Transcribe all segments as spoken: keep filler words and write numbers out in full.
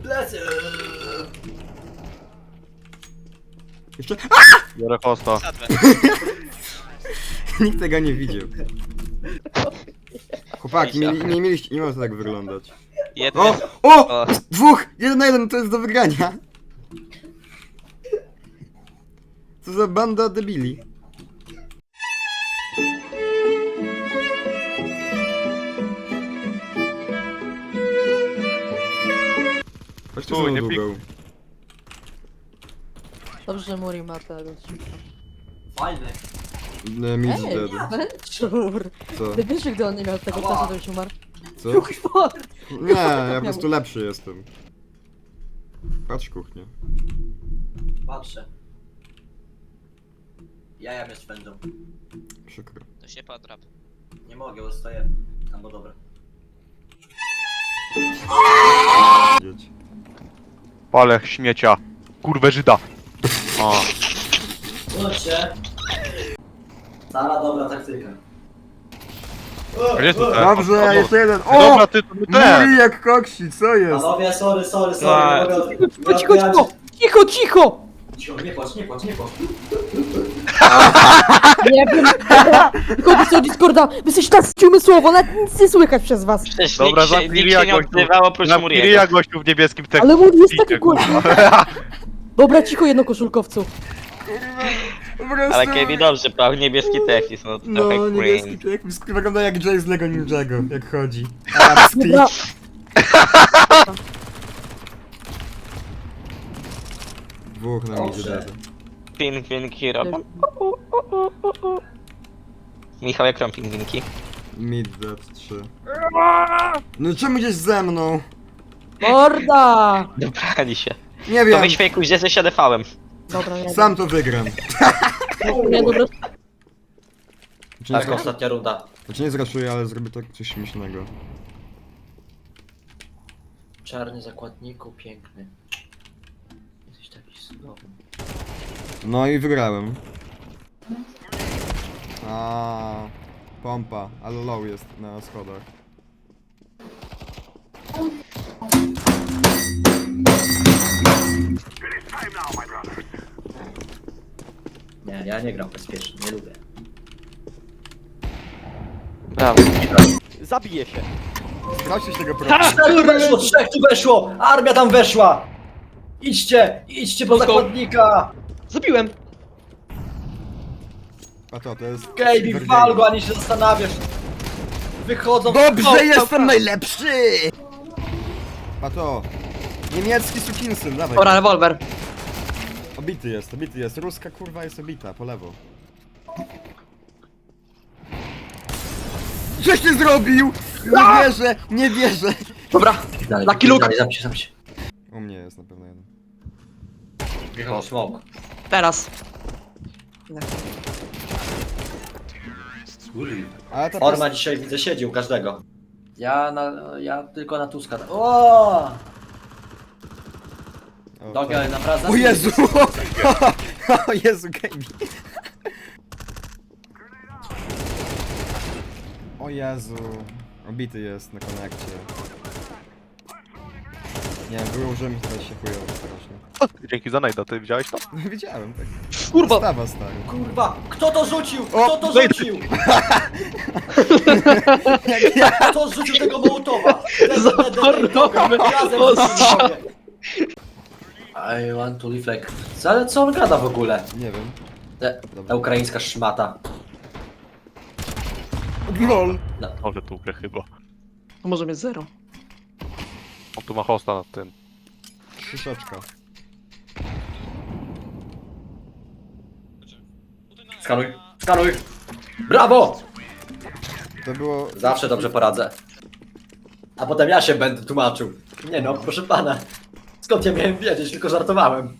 Plecy! Jeszcze... Biorę hosta. Sadwę. Nikt tego nie widział. Chłopaki, nie, nie mieliście, nie może to tak wyglądać. Jeden. O! O! O. Dwóch! Jeden na jeden, to jest do wygrania. Co za banda debili. Chodź tu Tu, znowu nie długą. Dobrze, że Muri ma tego odcinka. Fajny. No, Miss Ej, dead. Venture! Co? Ty wiesz, że gdy on nie miał tego Ała. czasu, to już umarł? Co? Kuchwa! Nie, ja po prostu lepszy jestem. Patrz kuchnię. Patrzę. Jaja mnie spędzą. Przykro. To się podrap. Nie mogę, bo stoję. Tam, bo dobra. Dzieci. Palę śmiecia. Kurwę Żyda. O. Chodźcie. Stara, dobra taktyka. A gdzie tu ten? Dobrze, O, jeszcze jeden. no. O! Dobra, ty to nie ten. Muri jak koksi, co jest? Panowie, sorry, sorry, sorry. A. Nie mogę od- Cicho, nie cicho, odbierać- cicho! Cicho, cicho! Cicho, nie płacz, nie płacz, nie płacz. Nie wiem. Chodź do Discorda, wy jesteście tak umysłowo, nawet nic nie słychać przez was. Przecież Dobra, nikt się, zamknij nikt się nie jakoś tu. odzywał oprócz Na Muriego. Kiria gościu w niebieskim tekście. Ale Muri jest Idzie, taki kurwa. głośny. Dobra, cicho jedno koszulkowcu. Po prostu... Ale Kevin dobrze, prawie niebieski technis, no to No, trochę niebieski cringe. jak wygląda jak Jay z Lego Ninjago, jak chodzi. Arabski. Dobra, Dwóch na mnie Dobrze. dead. Ping, ping, hero. Michał, jak tam pingwinki? Mid dead trzy. No czemu gdzieś ze mną? morda! Dobrali się. Nie To wiem, weź fejku, gdzie ze siadefałem. Dobra, nie sam to wygram. Nie, dobra. Znaczy nie, Tak, zra- ostatnia runda. znaczy nie zraszuję, ale zrobię tak coś śmiesznego. Czarny zakładniku, piękny. Jesteś taki cudowny. No i wygrałem. A, pompa, ale low jest na schodach. Nie, ja nie gram bezpiecznie, nie lubię. Brawo. Zabiję się. Sprawdźcie się tego profilu. Cztery weszło, trzech tu weszło! Armia tam weszła! Idźcie, idźcie po zakładnika! Zabiłem. A to, to jest... Gaby, Vergate. wal go, ani się zastanawiasz. Wychodzą... Dobrze, O, jestem najlepszy! A to... Niemiecki sukinsyn, dawaj. Dobra, rewolwer. Obity jest, obity jest. Ruska kurwa jest obita, po lewo. Coś ty zrobił! Nie wierzę, nie wierzę! Dobra. Dalej, Lucky Luke. dalej, zamknij się, zamknij się. U mnie jest na pewno jeden. Wjechał smoke. Teraz. Ale ta Orma dzisiaj widzę siedzi u każdego. Ja na... ja tylko na Tuska. O! O, Dogi, tak. ale naprawdę... O Jezu! O Jezu, Gaby! O Jezu! Obity jest na konekcie. Nie, wyłożyłem teraz się chujowo strasznie. Dzięki za najda, ty widziałeś to? No widziałem tak. Kurwa. Stawa stary. Kurwa, kto to rzucił? Kto O, to zejdę. rzucił? Kto zrzucił tego Mołotowa? Zatornowałem. Razem O, rzuciliśmy. I want to live like... Ale co on gada w ogóle? Nie wiem. Te, ta ukraińska szmata. LOL! Może tu grę chyba. To może mieć zero. On tu ma hosta nad tym. Krzyszeczka. Skanuj, skanuj! Brawo! To było... Zawsze dobrze poradzę. A potem ja się będę tłumaczył. Nie no, proszę pana. Skąd ja miałem wiedzieć, tylko żartowałem.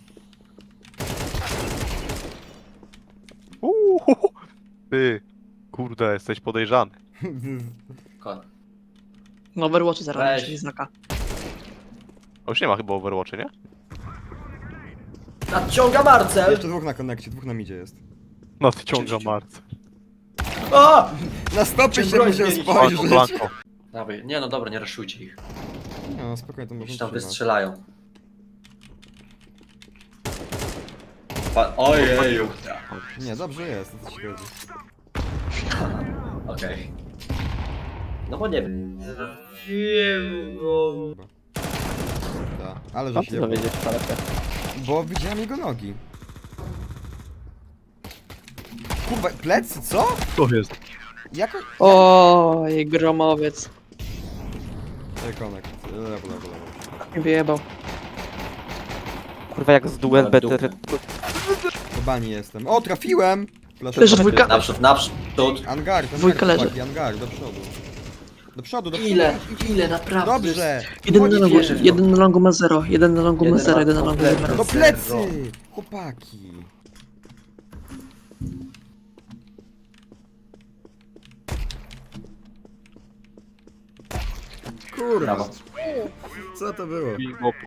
Uuu, ty, kurde, jesteś podejrzany. Ko- No Overwatch zaraz Weź. będzie znaka. A już nie ma chyba Overwatchy, nie? Nadciąga Marcel! Jeszcze dwóch na konekcie, dwóch na midzie jest. No ty ciąga marce. O! Na stopy Czym się broń musiał zmienić? spojrzeć. Blanko, blanko. Dawaj, nie no dobra, nie raszujcie ich. No spokojnie, to Już może tam trzymać. wystrzelają. pa... Ojeju. Nie, dobrze jest, o co ci chodzi. Okej. No bo nie wiem. Da. Ale Co że ty się... dowiedzieć, Palecie? Bo widziałem jego nogi. Kurwa, plecy, co? To jest. Jako... Oj, gromowiec. Rekonek. Lewo, lewo, lewo. Nie wyjebał. Kurwa, jak z duel better. Po bani jestem. O, trafiłem! Flash Leży dwójka. Naprzód, naprzód. Angar, angar, Dwójka leży. chłopaki, angar, do przodu. Do przodu, do przodu. Ile? Ile naprawdę? Dobrze! Jeden na Chodź, longu, wierzę w to. jeden na longu ma zero. Jeden na longu ma Jeden zero, ma jeden na longu ma kompletnie. zero. Do plecy! Chłopaki! Kurwa, Brawo. co to było? Mimo